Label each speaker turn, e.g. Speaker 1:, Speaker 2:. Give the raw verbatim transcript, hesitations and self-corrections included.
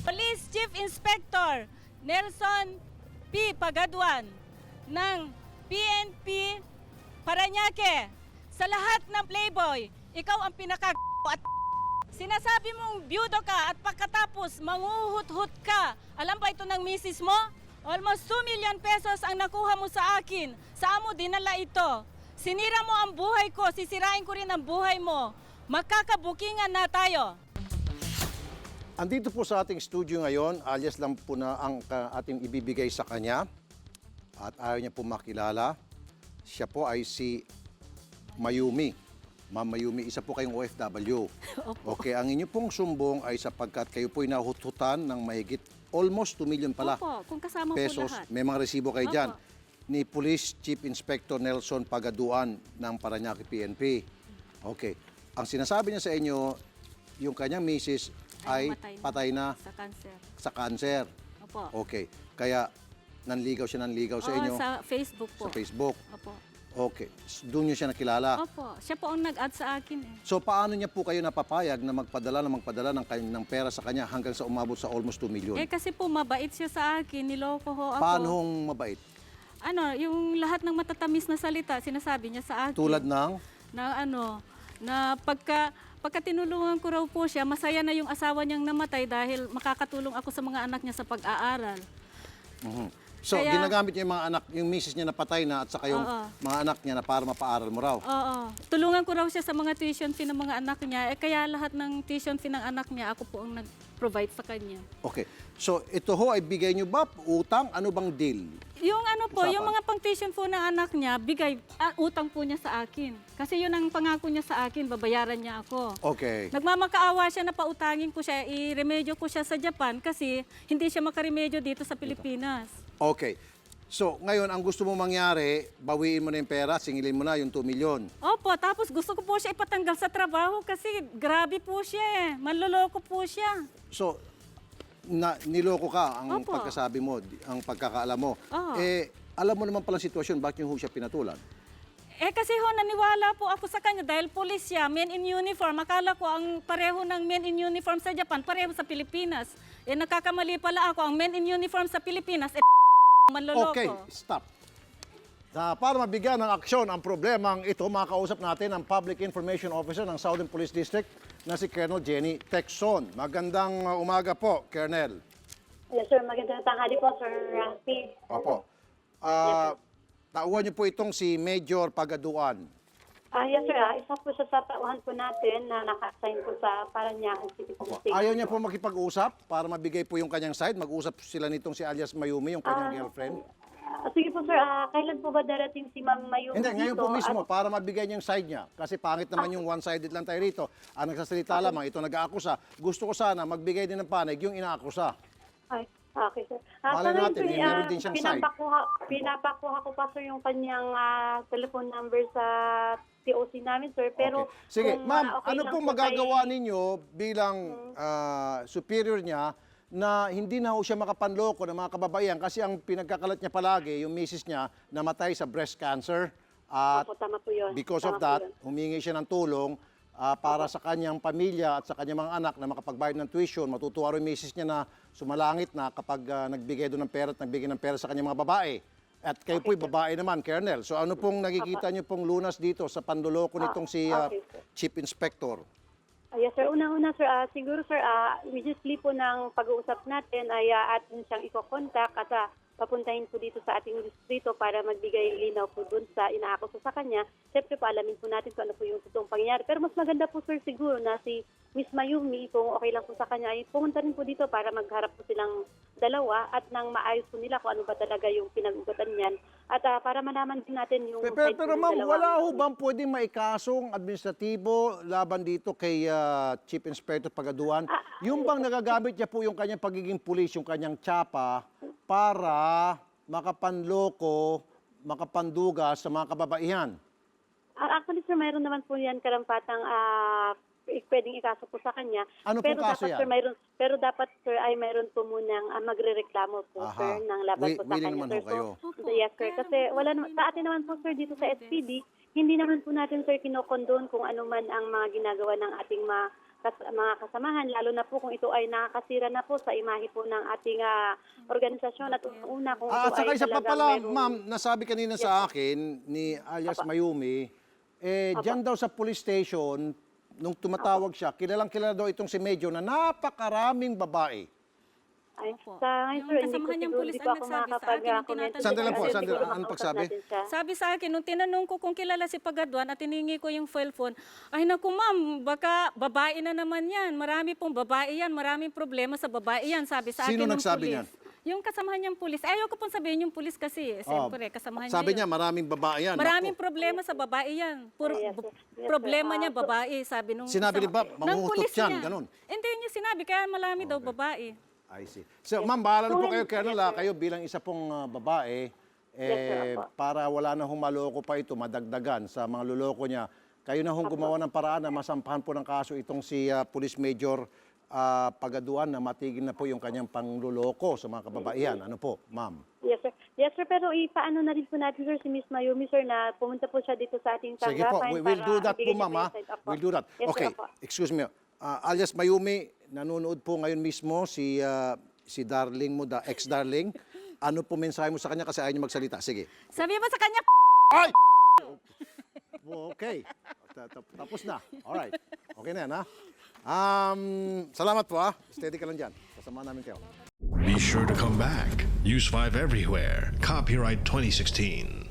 Speaker 1: Police Chief Inspector Nelson P. Pagaduan ng P N P Parañaque. Sa lahat ng playboy, ikaw ang pinaka at sinasabi mong byudo ka at pagkatapos manguhut-hut ka. Alam ba ito ng misis mo? Almost two million pesos ang nakuha mo sa akin. Saan mo dinala ito? Sinira mo ang buhay ko, sisirain ko rin ang buhay mo. Magkakabukingan na tayo.
Speaker 2: Andito po sa ating studio ngayon, alias lang po na ang uh, ating ibibigay sa kanya at ayaw niya po makilala. Siya po ay si Mayumi. Ma'am Mayumi, isa po kayong O F W. Okay, ang inyo pong sumbong ay sapagkat kayo po'y nahututan ng mahigit almost two million pala.
Speaker 1: Opo, kung kasama
Speaker 2: pesos.
Speaker 1: po lahat.
Speaker 2: May mga resibo kayo
Speaker 1: Opo.
Speaker 2: dyan. Ni Police Chief Inspector Nelson Pagaduan ng Parañaque P N P. Okay. Ang sinasabi niya sa inyo, yung kanyang misis ay,
Speaker 1: Ay
Speaker 2: patay na
Speaker 1: sa cancer.
Speaker 2: sa cancer.
Speaker 1: Opo.
Speaker 2: Okay. Kaya nanligaw siya nanligaw sa
Speaker 1: Oo,
Speaker 2: inyo
Speaker 1: sa Facebook po.
Speaker 2: sa Facebook.
Speaker 1: Opo.
Speaker 2: Okay. Doon niyo siya nakilala.
Speaker 1: Opo. Siya po ang nag-add sa akin eh.
Speaker 2: So paano niya po kayo napapayag na magpadala na magpadala ng, kany- ng pera sa kanya hanggang sa umabot sa almost two million?
Speaker 1: Eh kasi po mabait siya sa akin, niloko ho ako.
Speaker 2: Paano hong mabait?
Speaker 1: Ano, yung lahat ng matatamis na salita, sinasabi niya sa akin.
Speaker 2: Tulad ng?
Speaker 1: Na ano, na pagka, pagka tinulungan ko raw po siya, masaya na yung asawa niyang namatay dahil makakatulong ako sa mga anak niya sa pag-aaral.
Speaker 2: Mhm. So,
Speaker 1: Kaya-
Speaker 2: ginagamit niya yung mga anak, yung misis niya na patay na at saka yung
Speaker 1: Oo.
Speaker 2: mga anak niya na para mapaaral mo raw.
Speaker 1: Oo. Tulungan ko raw siya sa mga tuition fee ng mga anak niya. Eh, kaya lahat ng tuition fee ng anak niya, ako po ang nag-provide sa kanya.
Speaker 2: Okay. So, ito ho ay bigay niyo ba? Utang? Ano bang deal?
Speaker 1: Yung ano po,
Speaker 2: Usapan.
Speaker 1: yung mga pang tuition po ng anak niya, bigay, ah, utang po niya sa akin. Kasi yun ang pangako niya sa akin, babayaran niya ako.
Speaker 2: Okay.
Speaker 1: Nagmamakaawa siya na pautangin ko siya, i-remedyo ko siya sa Japan kasi hindi siya makaremedyo dito sa Pilipinas.
Speaker 2: Okay. So, ngayon, ang gusto mo mangyari, bawiin mo na yung pera, singilin mo na yung two million.
Speaker 1: Opo, tapos gusto ko po siya ipatanggal sa trabaho kasi grabe po siya eh. Manloloko po siya.
Speaker 2: So, na, niloko ka ang
Speaker 1: Opo.
Speaker 2: pagkasabi mo, di- ang pagkakaalam mo.
Speaker 1: Oo.
Speaker 2: Eh, alam mo naman palang sitwasyon, bakit yung ho siya pinatulan?
Speaker 1: Eh kasi ho, naniwala po ako sa kanya dahil pulis siya, men in uniform. Akala ko ang pareho ng men in uniform sa Japan, pareho sa Pilipinas. Eh nagkakamali pala ako, ang men in uniform sa Pilipinas, eh manloloko.
Speaker 2: Okay, stop. Na para mabigyan ng aksyon ang problemang ito, makakausap natin ang Public Information Officer ng Southern Police District na si Colonel Jenny Tecson. Magandang uh, umaga po, Colonel.
Speaker 3: Yes, sir. Magandang tanghali po, Sir Rafi.
Speaker 2: Opo. Ah, tauhan niyo po itong si Major Pagaduan.
Speaker 3: Ah, yes, sir. Ah, isa po siya sa tauhan po natin na naka-assign po sa Parañaque City
Speaker 2: Opo.
Speaker 3: Police.
Speaker 2: Ayaw niya po makipag-usap para mabigay po yung kanyang side. Mag-usap sila nitong si alias Mayumi, yung kanyang
Speaker 3: Ah,
Speaker 2: girlfriend.
Speaker 3: Ah, sige po, sir. Ah, kailan po ba darating si Ma'am Mayumi
Speaker 2: Hindi, ngayon po
Speaker 3: dito?
Speaker 2: mismo,
Speaker 3: At-
Speaker 2: para mabigay niya yung side niya. Kasi pangit naman yung one-sided lang tayo rito. Ang nagsasalita lamang, ito nag-aakusa. Gusto ko sana magbigay din ng panig yung inaakusa.
Speaker 3: Ay, okay, sir. Ah,
Speaker 2: Malay
Speaker 3: sa ngayon,
Speaker 2: natin,
Speaker 3: sir,
Speaker 2: eh, meron
Speaker 3: ah,
Speaker 2: din siyang side.
Speaker 3: pinapakuha, pinapakuha ko pa, sir, yung kanyang ah, telephone number sa T O C namin, sir. Pero
Speaker 2: Okay. Sige,
Speaker 3: kung,
Speaker 2: ma'am,
Speaker 3: ah, okay
Speaker 2: ano
Speaker 3: lang
Speaker 2: pong
Speaker 3: po
Speaker 2: magagawa
Speaker 3: kay-
Speaker 2: ninyo bilang ah, superior niya na hindi na ho siya makapanloko ng mga kababaihan kasi ang pinagkakalat niya palagi, yung misis niya, namatay sa breast cancer. At
Speaker 3: Opo, tama po yun.
Speaker 2: because of
Speaker 3: Tama po
Speaker 2: that,
Speaker 3: yun.
Speaker 2: humingi siya ng tulong ah, para sa kanyang pamilya at sa kanyang mga anak na makapagbayad ng tuition. Matutuwa rin yung misis niya na sumalangit na kapag ah, nagbigay doon ng pera at nagbigay ng pera sa kanyang mga babae. At kayo po'y babae naman, Colonel. So ano pong nakikita niyo pong lunas dito sa panduloko nitong si ah,
Speaker 3: okay, sir.
Speaker 2: Chief Inspector?
Speaker 3: Ah, yes, sir. Una-una, sir, ah, siguro, sir, uh, immediately po ng pag-uusap natin ay uh, atin siyang iko-contact at ah, papuntahin po dito sa ating distrito para magbigay linaw po dun sa inaakuso sa kanya. Siyempre po, alamin po natin kung ano po yung totoong pangyayari. Pero mas maganda po, sir, siguro na si Miss Mayumi, kung okay lang po sa kanya, ay pumunta rin po dito para magharap po silang dalawa at nang maayos po nila kung ano ba talaga yung pinag-ugatan niyan. At ah, para malaman din natin yung...
Speaker 2: Pero, pero,
Speaker 3: side po
Speaker 2: pero
Speaker 3: ng
Speaker 2: ma'am,
Speaker 3: dalawa.
Speaker 2: wala ho bang pwedeng maikasong administratibo laban dito kay ah, Chief Inspector Pagaduan? Yung bang nagagamit niya po yung kanyang pagiging pulis, yung kanyang tsapa, para makapanloko, makapanduga sa mga kababaihan?
Speaker 3: Ah, actually, sir, mayroon naman po yan karampatang ah, eh, pwedeng ikaso po sa kanya.
Speaker 2: Ano pong
Speaker 3: pero
Speaker 2: kaso
Speaker 3: dapat,
Speaker 2: yan?
Speaker 3: Sir, mayroon, pero dapat, sir, ay mayroon po munang ah, magrereklamo po,
Speaker 2: Aha.
Speaker 3: sir, ng laban
Speaker 2: Wi-
Speaker 3: po sa
Speaker 2: willing
Speaker 3: kanya.
Speaker 2: naman
Speaker 3: Sir.
Speaker 2: ho kayo.
Speaker 3: So, yes, sir. Kasi wala naman, sa atin naman po, sir, dito sa S P D, hindi naman po natin, sir, kinokondon kung ano man ang mga ginagawa ng ating mga kas- mga kasamahan, lalo na po kung ito ay nakakasira na po sa imahe po ng ating ah, organisasyon at una kung
Speaker 2: Ah, at
Speaker 3: ito
Speaker 2: saka
Speaker 3: ay
Speaker 2: isa pa
Speaker 3: talagang
Speaker 2: pala,
Speaker 3: mayroong-
Speaker 2: ma'am, nasabi kanina sa akin ni alias Mayumi, eh, dyan daw sa police station, nung tumatawag siya, kilalang kilala daw itong si Medyo na napakaraming babae.
Speaker 3: Ay,
Speaker 1: Opo.
Speaker 3: sa ngayon,
Speaker 1: Yung
Speaker 3: sir, hindi ko
Speaker 1: kasamahan niyang
Speaker 3: siguro,
Speaker 1: pulis
Speaker 3: hindi
Speaker 1: ang
Speaker 3: po ako
Speaker 1: nagsabi sa akin, yung
Speaker 3: makakapag-comment.
Speaker 1: tinatanong
Speaker 2: Sandali lang po,
Speaker 3: Siguro
Speaker 2: sandali lang.
Speaker 3: makausap
Speaker 2: Ano pagsabi?
Speaker 3: natin siya.
Speaker 1: Sabi sa akin, nung tinanong ko kung kilala si Pagaduan at tiningi ko yung cell phone, ay naku ma'am, baka babae na naman yan. Marami pong babae yan, maraming problema sa babae yan, sabi sa
Speaker 2: Sino
Speaker 1: akin ng
Speaker 2: nagsabi
Speaker 1: pulis.
Speaker 2: niyan?
Speaker 1: Yung kasamahan niyang pulis. Ayaw ko pong sabihin yung pulis kasi, eh. Siyempre, kasamahan niya
Speaker 2: Sabi
Speaker 1: yun.
Speaker 2: niya, maraming babae yan.
Speaker 1: Maraming
Speaker 2: Naku.
Speaker 1: problema sa babae yan. Puro
Speaker 3: Yes,
Speaker 1: bu-
Speaker 3: yes, yes,
Speaker 1: problema
Speaker 3: sir.
Speaker 1: niya
Speaker 3: Ah, so-
Speaker 1: babae, sabi nung
Speaker 2: Sinabi ni
Speaker 1: isang-
Speaker 2: Bob,
Speaker 1: ng
Speaker 2: mangungutot
Speaker 1: pulis
Speaker 2: yan,
Speaker 1: niya.
Speaker 2: ganun.
Speaker 1: Hindi niya sinabi, kaya marami daw babae.
Speaker 2: I see. So, ma'am, bahala na po kayo,
Speaker 3: Yes,
Speaker 2: Colonel,
Speaker 3: sir.
Speaker 2: ah, kayo bilang isa pong ah, babae,
Speaker 3: Yes,
Speaker 2: eh,
Speaker 3: sir, apo.
Speaker 2: para wala na hong maloko pa ito, madagdagan sa mga luloko niya, kayo na hong gumawa ng paraan na masampahan po ng kaso itong si ah, Police Major ah, Pagaduan na matigil na po yung kanyang pangluloko sa mga kababaihan. Ano po, ma'am?
Speaker 3: Yes, sir. Yes, sir. Pero ipaano na rin po natin, sir, si Miss Mayumi, sir, na pumunta po siya dito sa ating
Speaker 2: Sige po,
Speaker 3: tanggapan.
Speaker 2: we will
Speaker 3: para
Speaker 2: do that po,
Speaker 3: ibigay niya
Speaker 2: ma'am. ah.
Speaker 3: yung side up po.
Speaker 2: We'll do that.
Speaker 3: Yes,
Speaker 2: Okay,
Speaker 3: sir, apo.
Speaker 2: excuse me. Ah, alias Mayumi, nanonood po ngayon mismo si ah, si darling mo, da, ex-darling. Ano po mensahe mo sa kanya kasi ayaw niya magsalita? Sige.
Speaker 1: Sabi mo sa kanya,
Speaker 2: Ay! Okay. Ta- ta- Tapos na. Alright. Okay na yan, ha? Um, salamat po, ha? Steady ka lang dyan. Kasama namin kayo.
Speaker 4: Be sure to come back. Use five everywhere. Copyright twenty sixteen.